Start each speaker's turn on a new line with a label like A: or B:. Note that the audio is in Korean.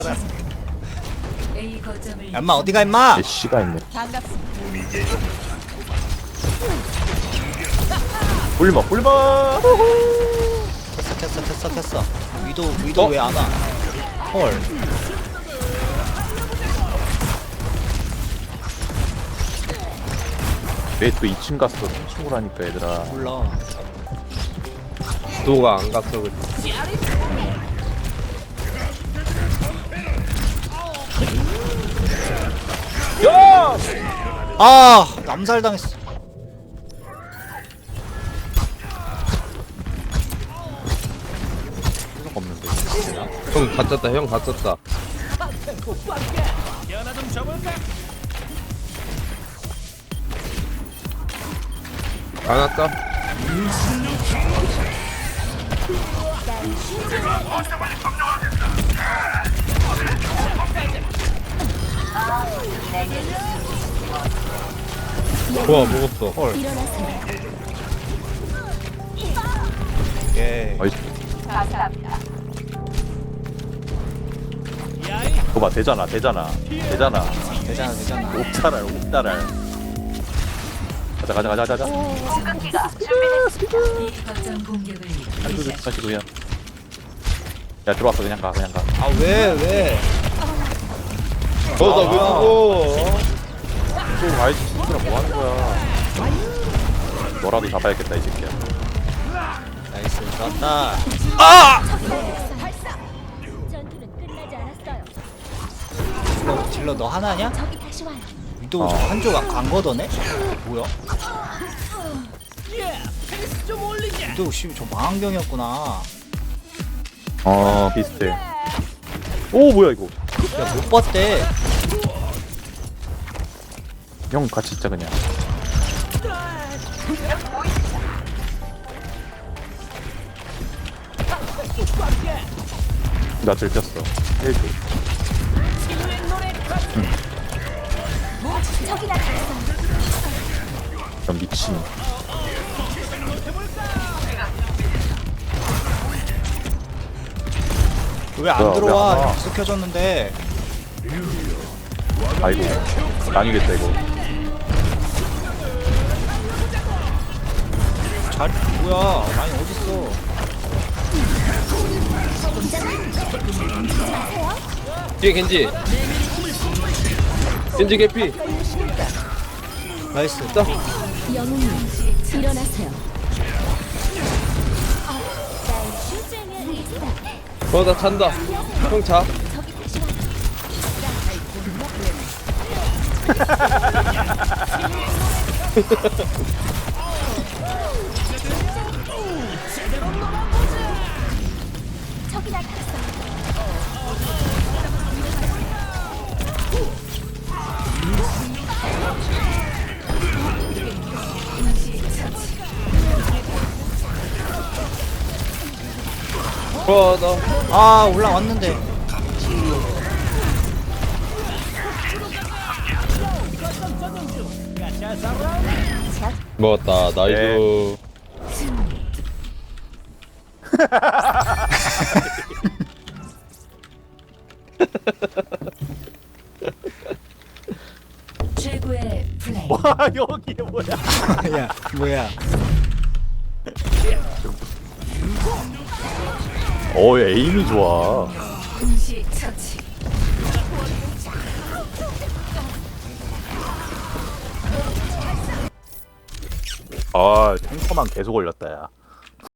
A: 얌마 어디가 임마?
B: 씨가 있네.
C: 반갑습니다.
B: 꿀먹 꿀먹.
A: 됐어. 위도 왜 안 와? 헐.
B: 왜 또 2층 갔어? 3층으로 하니까 얘들아.
A: 몰라.
D: 도가 안 갔어 그래.
B: 야!
A: 아 남살 당했어.
B: 필요가 없는데.
D: 형 갇혔다 형 갇혔다. 안 왔다. 좋아 먹었어.
A: 헐. 예.
B: 어이. 그거 봐 되잖아.
A: 되잖아.
B: 옥달알 옥달알. 가자. 한두 대 가시고 그냥. 야 들어왔어 그냥 가.
A: 아 왜?
D: 너왜 죽어?
B: 또 와이즈 친구랑 뭐 하는 거야? 너라도 잡아야겠다 이 새끼야.
A: 나이스 좋았다.
E: 전투는 끝나지 않았어요.
A: 딜러 너 하나냐?
E: 저기 다시 와요.
A: 위도 한쪽 간 거더네? 뭐야? 위도 저 망원경이었구나.
B: 비슷해. 오 뭐야 이거?
A: 야 못 봤대.
B: 형 같이 있자 그냥. 나 들켰어. 1조.
E: 저기 나타났어요.
B: 넌 미친.
A: 왜 안
B: 뭐야,
A: 들어와?
B: 왜안 와?
A: 계속 켜졌는데.
B: 아이고 나뉘겠다 이거.
A: 잘 뭐야? 라인 어딨어?
D: 뒤에 겐지. 겐지 개피.
A: 나이스.
D: 자.
E: 영웅님 일어나세요. 날 슈즈면 있어.
D: 나 찬다. 형 자.
E: 저기 다시 와요. 저기 나타났어요.
D: 나.
A: 아 올라왔는데.
D: 먹었다. 나이스.
C: 최고의 플레이.
B: 와 여기 뭐야?
A: 야 뭐야?
B: 에임이 좋아.
C: 동시 처치.
B: 탱커만 계속 올렸다 야.